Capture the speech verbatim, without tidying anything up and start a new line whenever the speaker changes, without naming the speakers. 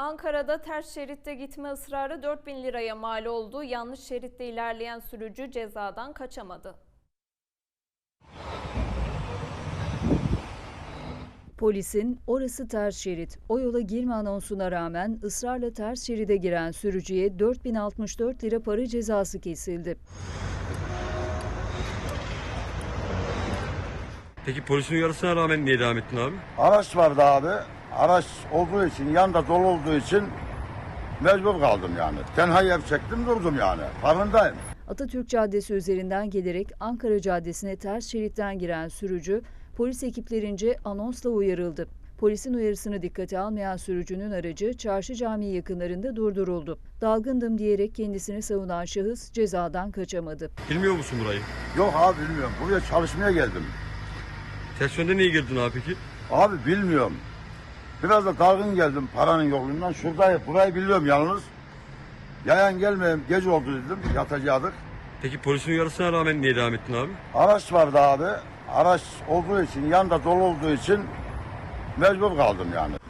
Ankara'da ters şeritte gitme ısrarı dört bin liraya mal oldu. Yanlış şeritte ilerleyen sürücü cezadan kaçamadı.
Polisin "orası ters şerit, o yola girme" anonsuna rağmen ısrarla ters şeride giren sürücüye dört bin altmış dört lira para cezası kesildi.
Peki polisin uyarısına rağmen niye devam ettin abi?
Araç vardı abi. Araç olduğu için, yanda dolu olduğu için mecbur kaldım yani. Tenhayı hep çektim durdum yani. Farkındayım.
Atatürk Caddesi üzerinden gelerek Ankara Caddesi'ne ters şeritten giren sürücü polis ekiplerince anonsla uyarıldı. Polisin uyarısını dikkate almayan sürücünün aracı Çarşı Camii yakınlarında durduruldu. Dalgındım diyerek kendisini savunan şahıs cezadan kaçamadı.
Bilmiyor musun burayı?
Yok abi bilmiyorum. Buraya çalışmaya geldim.
Ters yönde niye girdin abi peki?
Abi bilmiyorum. Biraz da dalgın geldim paranın yokluğundan. Şuradayım. Burayı biliyorum yalnız. Yayan gelmeyeyim. Gece oldu dedim. Yatacaktık.
Peki polisin uyarısına rağmen niye devam ettin abi?
Araç vardı abi. Araç olduğu için, yanda dolu olduğu için mecbur kaldım yani.